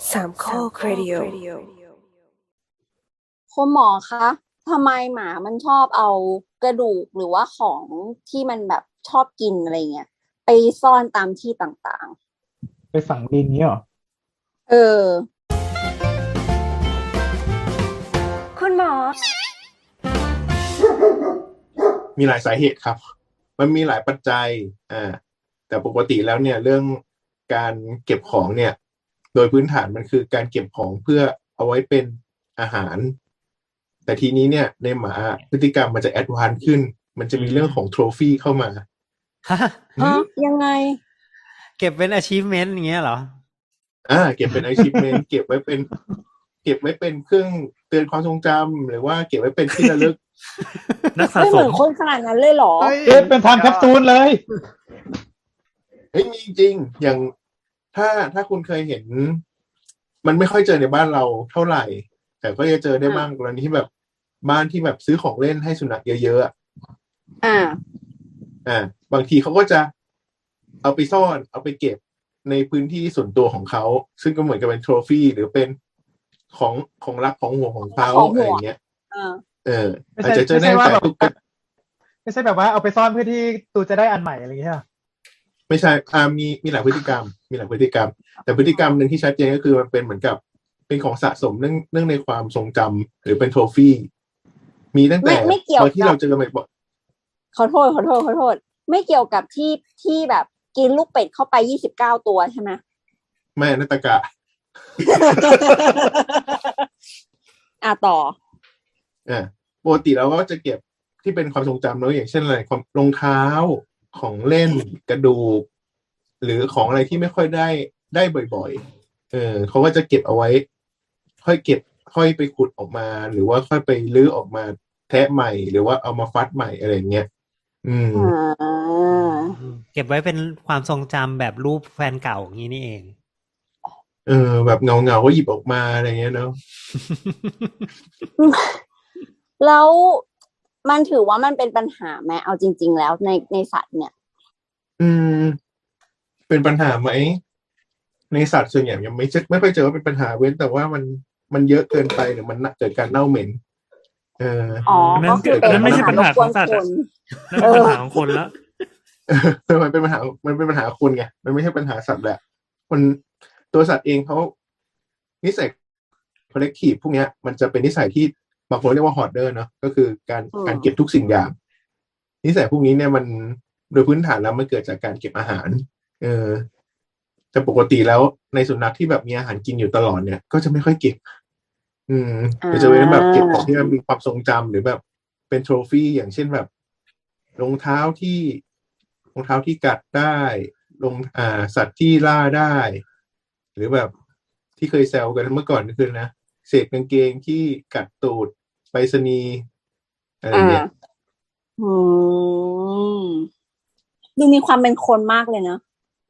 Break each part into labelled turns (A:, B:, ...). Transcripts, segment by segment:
A: สามข้อครดิโอ
B: คุณหมอคะทำไมหมามันชอบเอากระดูกหรือว่าของที่มันแบบชอบกินอะไรเงี้ยไปซ่อนตามที่ต่าง
C: ไปฝังดินเงี้ยเหรอ
B: ๆ
A: คุณหมอ
D: มีหลายสาเหตุครับ มันมีหลายปัจจัยแต่ปกติแล้วเนี่ยเรื่องการเก็บของเนี่ยโดยพื้นฐานมันคือการเก็บของเพื่อเอาไว้เป็นอาหารแต่ทีนี้เนี่ยในหมาพฤติกรรมมันจะแอดวานซ์ขึ้นมันจะมีเรื่องของโทรฟี่เข้ามา
B: ยังไง
E: เก็บเป็น achievement อย่างเงี้ยเหรอ
D: เก็บเป็น achievement เก็บไว้เป็นเครื่องเตือนความทรงจำหรือว่าเก็บไว้เป็นที่ระลึก
E: นักสะ
B: ไม่เห
E: ส
B: มือ
E: ม
B: นคนขนาดนั้นเลยเหรอ
C: เป็นไทม์แคปซูลเลย
D: มีจริงอย่างถ้าคุณเคยเห็นมันไม่ค่อยเจอในบ้านเราเท่าไหร่แต่ก็จะเจอได้บ้างกรณีที่แบบบ้านที่แบบซื้อของเล่นให้สุนัขเยอะๆบางทีเขาก็จะเอาไปซ่อนเอาไปเก็บในพื้นที่ส่วนตัวของเขาซึ่งก็เหมือนกับเป็นโทรฟี่หรือเป็นของรักของห่วงของเขาอะไรอย่างเงี้ยอาจจะเจอได้แต่ทุก
C: ไม่ใช่แบบว่าเอาไปซ่อนเพื่อที่ตูจะได้อันใหม่อะไรอย่างเงี้ย
D: ไม่ใช่มีหลายพฤติกรรมแต่พฤติกรรมหนึ่งที่ชัดเจนก็คือมันเป็นเหมือนกับเป็นของสะสมเนื่องในความทรงจำหรือเป็นโทรฟี่มีตั้งแต่ตอนที่เราเจอกันบ่อย
B: ขอโทษไม่เกี่ยวกับที่แบบกินลูกเป็ดเข้าไป29ตัวใช่ไหม
D: ไม่นัตกะ
B: ต่อ
D: ปกติเราก็จะเก็บที่เป็นความทรงจำเนอะอย่างเช่นอะไรรองเท้าของเล่นกระดูกหรือของอะไรที่ไม่ค่อยได้บ่อยๆเขาก็จะเก็บเอาไว้ค่อยไปขุดออกมาหรือว่าค่อยไปลื้อออกมาแทะใหม่หรือว่าเอามาฟัดใหม่อะไรเงี้ย
E: เก็บไว้เป็นความทรงจำแบบรูปแฟนเก่าอย่างนี้นี่เอง
D: แบบเงาก็หยิบออกมาอะไรเงี้ยเนาะ
B: แล้วมันถือว่ามันเป็นปัญหาไหมเอาจริงๆแล้วในสัตว์เนี่ย
D: เป็นปัญหาไหมในสัตว์ส่วนใหญ่ยังไม่ค่อยเจอว่าเป็นปัญหาเว้นแต่ว่ามันเยอะเกินไปหรือมันเกิดการเน่าเหม็น
B: ก็คือเป็น
E: ไม่ใช่ปัญหาของสัตว์นั่นเป็นปัญหาของคนแล้ว
D: มันเป็นปัญหาคนไงมันไม่ใช่ปัญหาสัตว์แหละคนตัวสัตว์เองเขานิสัย collective พวกนี้มันจะเป็นนิสัยที่บางคนเรียกว่า hoarder เนาะก็คือการเก็บทุกสิ่งอย่างนิสัยพวกนี้เนี่ยมันโดยพื้นฐานแล้วมันเกิดจากการเก็บอาหารแต่ปกติแล้วในสุนัขที่แบบมีอาหารกินอยู่ตลอดเนี่ยก็จะไม่ค่อยเก็บจะเป็นแบบเก็บของที่มีความทรงจำหรือแบบเป็นโทรฟี่อย่างเช่นแบบรองเท้าที่กัดได้สัตว์ที่ล่าได้หรือแบบที่เคยแซวกันเมื่อก่อนก็คือนะเศษกางเกงที่กัดตูดไปรษณีย์อะไรเงี้ย
B: ดูมีความเป็นคนมากเลยนะ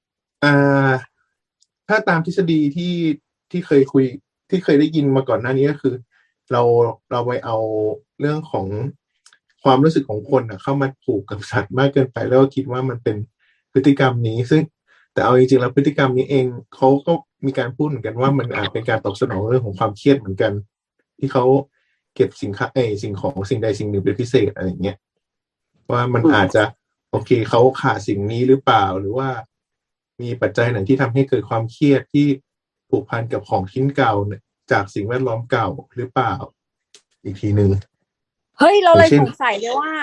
D: ถ้าตามทฤษฎีที่เคยคุยที่เคยได้ยินมาก่อนหน้านี้ก็คือเราไปเอาเรื่องของความรู้สึกของคนเข้ามาผูกกับสัตว์มากเกินไปแล้วก็คิดว่ามันเป็นพฤติกรรมนี้ซึ่งแต่เอาจริงๆแล้วพฤติกรรมนี้เองเขาก็มีการพูดเหมือนกันว่ามันอาจเป็นการตอบสนองเรื่องของความเครียดเหมือนกันที่เขาเก็บสิ่งของสิ่งใดสิ่งหนึ่งเป็นพิเศษอะไรอย่างเงี้ยว่ามันอาจจะโอเคเขาขาดสิ่งนี้หรือเปล่าหรือว่ามีปัจจัยไหนที่ทำให้เกิดความเครียดที่ผูกพันกับของชิ้นเก่าจากสิ่งแวดล้อมเก่าหรือเปล่าอีกทีนึง
B: เฮ้ยเราเลยสงสัยเลยว่า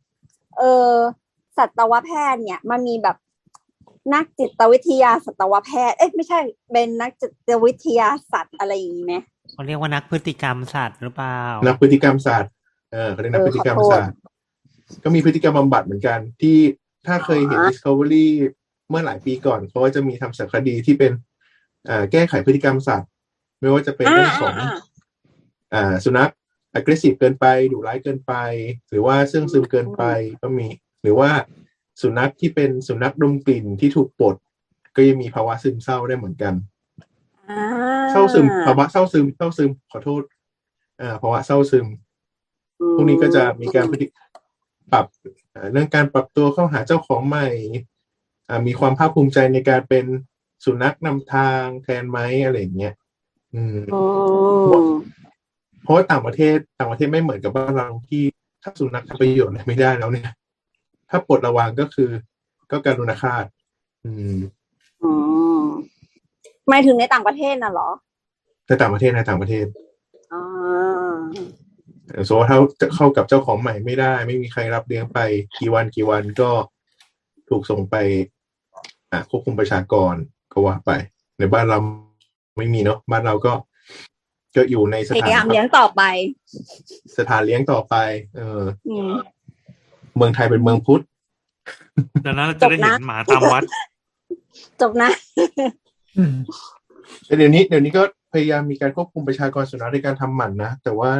B: สัตวแพทย์เนี่ยมันมีแบบนักจิตวิทยาสัตวแพทย์ไม่ใช่เป็นนักจิตวิทยาสัตว์อะไรอย่างนี้ไหม
E: เขาเรียกว่านักพฤติกรรมสัตว์หรือเปล่า
D: นักพฤติกรรมสัตว์เขาเรียกนักพฤติกรรมสัตว์ก็มีพฤติกรรมบำบัดเหมือนกันที่ถ้าเคยเห็น Discovery เมื่อหลายปีก่อนเขาก็จะมีทำสารคดีที่เป็นแก้ไขพฤติกรรมสัตว์ไม่ว่าจะเป็นเรื่องของสุนัข aggressive เกินไปดุร้ายเกินไปหรือว่าเสื่องซึมเกินไปก็มีหรือว่าสุนัขที่เป็นสุนัขดมกลิ่นที่ถูกปลดก็ยังมีภาวะซึมเศร้าได้เหมือนกันภาวะเศร้าซึมขอโทษภาวะเศร้าซึมพวกนี้ก็จะมีการปรับเรื่องการปรับตัวเข้าหาเจ้าของใหม่มีความภาคภูมิใจในการเป็นสุนัขนำทางแทนไหมอะไรอย่างเงี้ยอืม
B: อืม
D: เพราะว่าต่างประเทศไม่เหมือนกับบ้านเราที่ถ้าสุนัขทำประโยชน์อะไรไม่ได้แล้วเนี่ย ถ้าปลดระวางก็คือ ก็การุณฆาต อืม
B: อืมหมายถึงในต่างประเทศน่ะเหรอ
D: ในต่างประเทศ
B: อ่า
D: สมมติว่าถ้าจะเข้ากับเจ้าของใหม่ไม่ได้ ไม่มีใครรับเลี้ยงไปกี่วันก็ถูกส่งไปควบคุมประชากรก็ว่าไป ในบ้านเราไม่มีเนาะบ้านเราก็อยู่ในส
B: พ
D: ถาน
B: ยายามเลี้ยงต่อไป
D: สถานเลี้ยงต่อไป
B: อืม
D: เมืองไทยเป็นเมืองพุทธ
E: เดี๋ยวนั้นเราจะได้เห็นหมาตามวัด
B: จบนะ
C: อืม
D: แต่เดี๋ยวนี้ก็พยายามมีการควบคุมประชากรสุนัขในการทำหมันนะ แต่ว่า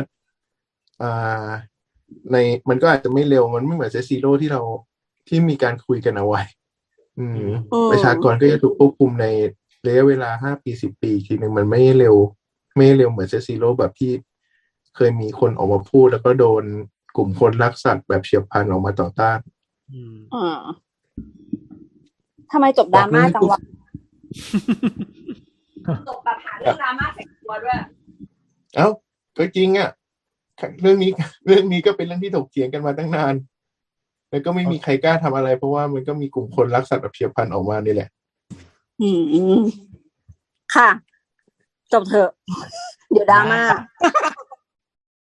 D: ในมันก็อาจจะไม่เร็วมันไม่เหมือนเซซีโร่ที่มีการคุยกันเอาไว้ ประชากรก็จะถูกควบคุมในระยะเวลา5 ปี10 ปีทีหนึ่งมันไม่เร็วเหมือนเซซีโร่แบบที่เคยมีคนออกมาพูดแล้วก็โดนกลุ่มคนรักสัตว์แบบเฉียบพลันออกมาต่อต้าน
B: ทำไมจบดราม่าจังวะ จบแบบหาเรื่องดราม่าใส่ตัวด้วย
D: เอ้าก็จริงอ่ะเรื่องนี้ก็เป็นเรื่องที่ถกเถียงกันมาตั้งนานแล้วก็ไม่มีใครกล้าทำอะไรเพราะว่ามันก็มีกลุ่มคนรักสัตว์แบบเฉียบพลันออกมานี่แหละ
B: ค่ะ จบเถอะ เดี๋ยวดราม่า